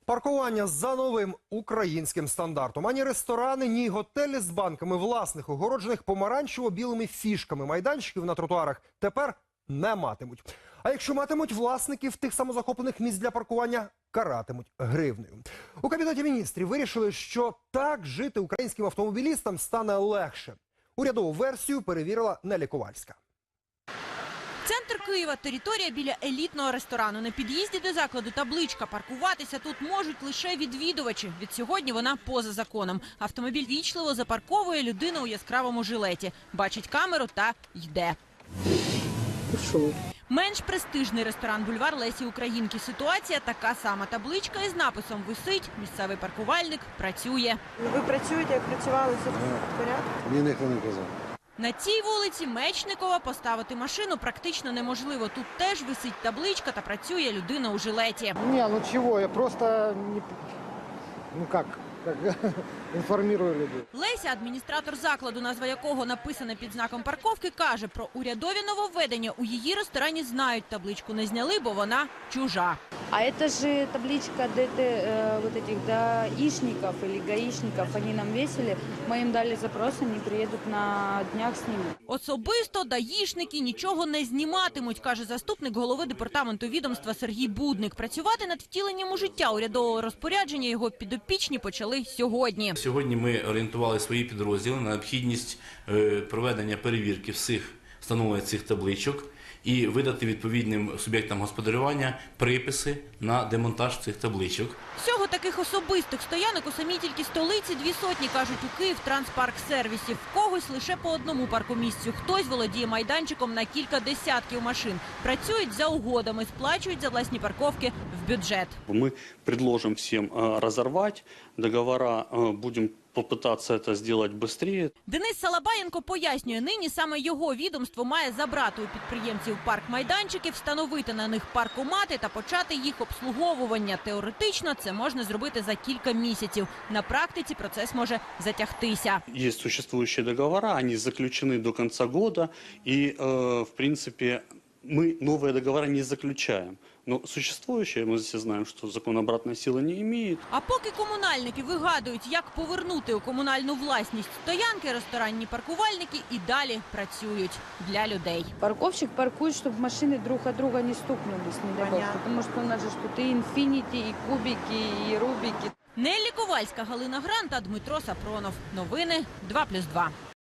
Паркування за новим українським стандартом. Ані ресторани, ні готелі з банками власних, огороджених помаранчево-білими фішками майданчиків на тротуарах тепер не матимуть. А якщо матимуть, власників тих самозахоплених місць для паркування каратимуть гривнею. У Кабінеті міністрів вирішили, що так жити українським автомобілістам стане легше. Урядову версію перевірила Нелі Ковальська. Центр Києва – територія біля елітного ресторану. На під'їзді до закладу табличка. Паркуватися тут можуть лише відвідувачі. Від сьогодні вона поза законом. Автомобіль вічливо запарковує людину у яскравому жилеті. Бачить камеру та йде. Менш престижний ресторан «Бульвар Лесі Українки». Ситуація така сама. Табличка із написом висить, місцевий паркувальник працює. Ви працюєте, як працювали, все в порядку? Мені ніхто не казав. На цій вулиці Мечникова поставити машину практично неможливо. Тут теж висить табличка та працює людина у жилеті. Не, ну чего, я просто не... Ну как інформую людей. Леся, адміністратор закладу, назва якого написана під знаком парковки, каже, про урядові нововведення у її ресторані знають. Табличку не зняли, бо вона чужа. А это же табличка вот этих даишников или гаишников, они нам весили. Мы им дали запрос, они приедут на днях снимут. Особисто даїшники нічого не зніматимуть, каже заступник голови департаменту відомства Сергій Будник. Працювати над втіленням у життя урядового розпорядження його підопічні почали сьогодні. Сьогодні ми орієнтували свої підрозділи на необхідність проведення перевірки всіх встановлення цих табличок і видати відповідним суб'єктам господарювання приписи на демонтаж цих табличок. Всього таких особистих стоянок у самій тільки столиці 200, кажуть у «Київтранспарксервісі». В когось лише по одному паркомісцю. Хтось володіє майданчиком на кілька десятків машин. Працюють за угодами, сплачують за власні парковки в бюджет. Мы предложим всем разорвать договора, будем попытаться это сделать быстрее. Денис Салабаєнко пояснює, нині саме його відомство має забрати у підприємців парк-майданчики, встановити на них паркомати та почати їх обслуговування. Теоретично це можна зробити за кілька місяців. На практиці процес може затягтися. Есть существующие договора, они заключены до конца года, и, в принципе, мы новые договора не заключаем. Но существующие, мы все знаем, что закон обратной силы не имеет. А поки комунальники вигадують, як повернути у комунальну власність стоянки, ресторанні паркувальники і далі працюють для людей. Парковщик паркует, чтобы машины друг от друга не стукнулись, не дай бог. Потому что у нас же тут и инфинити, и кубики, и рубики. Неллі Ковальська, Галина Гранта, Дмитро Сапронов. Новини 2+2.